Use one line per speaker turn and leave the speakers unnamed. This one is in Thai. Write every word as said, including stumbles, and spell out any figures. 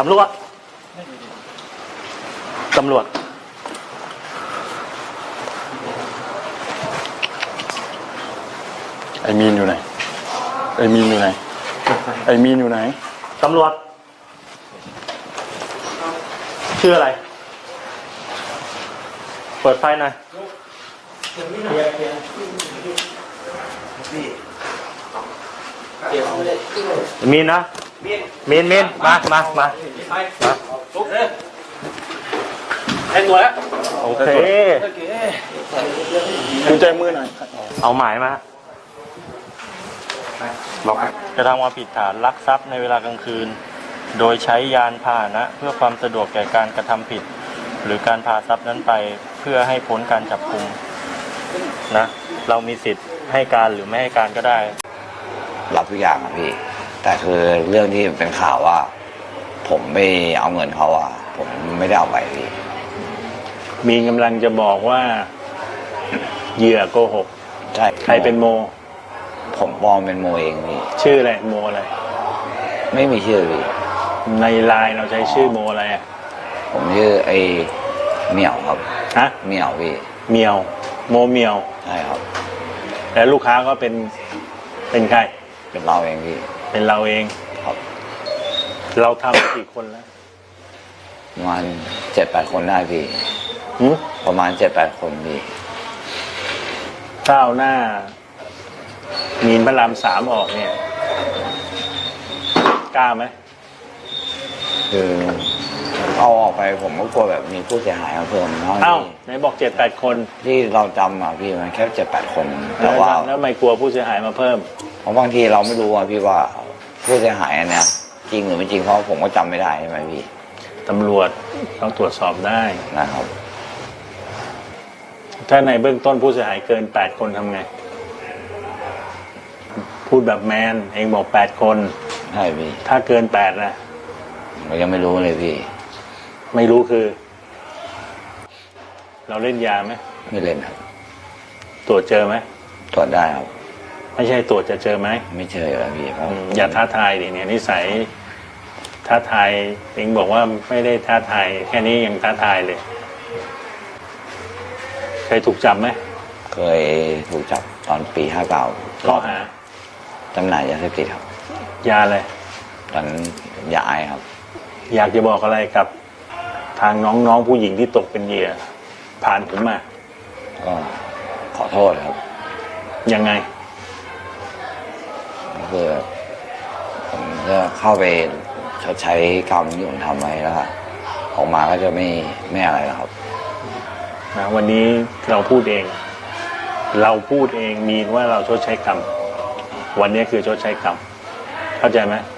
ำรวจตำรวจ
ไอ้มีนอยู่ไหนไอ้มีนอยู่ไหนไอ้มีนอยู่ไหน
ตำรวจชื่ออะไรเปิดไฟหน่อยมีนนะมีนมีนมามามาให้ตัวแล้วโอเค
กุญแจมือหน่อย
เอาหมายมากระทำความผิดฐานลักทรัพย์ในเวลากลางคืนโดยใช้ยานพาหนะเพื่อความสะดวกแก่การกระทำผิดหรือการพาทรัพย์นั้นไปเพื่อให้พ้นการจับกุมนะเรามีสิทธิ์ให้การหรือไม่ให้การก็ได้
รับทุกอย่างครับพี่แต่คือเรื่องที่เป็นข่าวว่าผมไม่เอาเงินเขาอ่ะผมไม่ได้เอาไปพี่
มีกำลังจะบอกว่าเหยื่อโกหก
ใช่
ใครเป็นโม
ผมปลอมเป็นโมเองพี่
ชื่ออะไรโมอะไร
ไม่มีชื่อพี่
ในไลน์เราใช้ชื่อโมอะไรอ่ะ
ผมชื่อไอ้เหมียวครับ
ฮะ
เหมียวพี่
เหมียวโมเหมียว
ใช่ครับ
แล้วลูกค้าก็เป็นเป็นใคร
เป็นเราเองพี่
เป็นเราเอง
ครับ
เราทำกี่คนแล้ว
ประมาณเจ็ดแปดคนได้พี่ประมาณเจ็ดแปดคนพี่
ข้าวหน้ามีนพระรามสามออกเนี่ยกล้าไหม
คือเอาออกไปผมก็กลัวแบบมีผู้เสียหายมาเพิ่ม
เอ้าไหนบอกเจ็ดแปดคน
ที่เราจำอ่ะพี่มันแค่เจ็ดแปดคนแต่ว่า
แล้วไม่กลัวผู้เสียหายมาเพิ่ม
เพราะบางทีเราไม่รู้อ่ะพี่ว่าผู้เสียหายอันเนี้ยจริงหรือไม่จริงเพราะผมก็จำไม่ได้ใช่ไหมพี่
ตำรวจต้องตรวจสอบได้
นะครับ
ถ้าในเบื้องต้นผู้เสียหายเกินแปดคนทำไงพูดแบบแมนเองบอกแปดคน
ใช่พี่
ถ้าเกินแปดนะ
ผมยังไม่รู้เลยพี่
ไม่รู้คือเราเล่นยาไหม
ไม่เล่นครับ
ตรวจเจอไหม
ตรวจได้ครับ
ไม่ใช่ตรวจจะเจอไหม
ไม่เจอแล้วพี่
อย่าท้าทายดิเนี่ยนิสัยท้าทายเองบอกว่าไม่ได้ท้าทายแค่นี้ยังท้าทายเลยเคยถูกจับไหม
เคยถูกจับตอนปีห้าเก้า
ข้อหา
จำหน่ายยาเสพติดครับ
ยาอะไร
ตอนยาไอครับ
อยากจะบอกอะไรกับทางน้องๆผู้หญิงที่ตกเป็นเหยื่อผ่านผมมา
ก็ขอโทษครับ
ยังไง
คือผมจะเข้าไปชดใช้กรรมที่ผมทำไว้แล้วออกมาก็จะไม่ไม่อะไรแล้วครับ
นะวันนี้เราพูดเองเราพูดเองมีว่าเราชดใช้กรรมวันนี้คือชดใช้กรรมเข้าใจไหม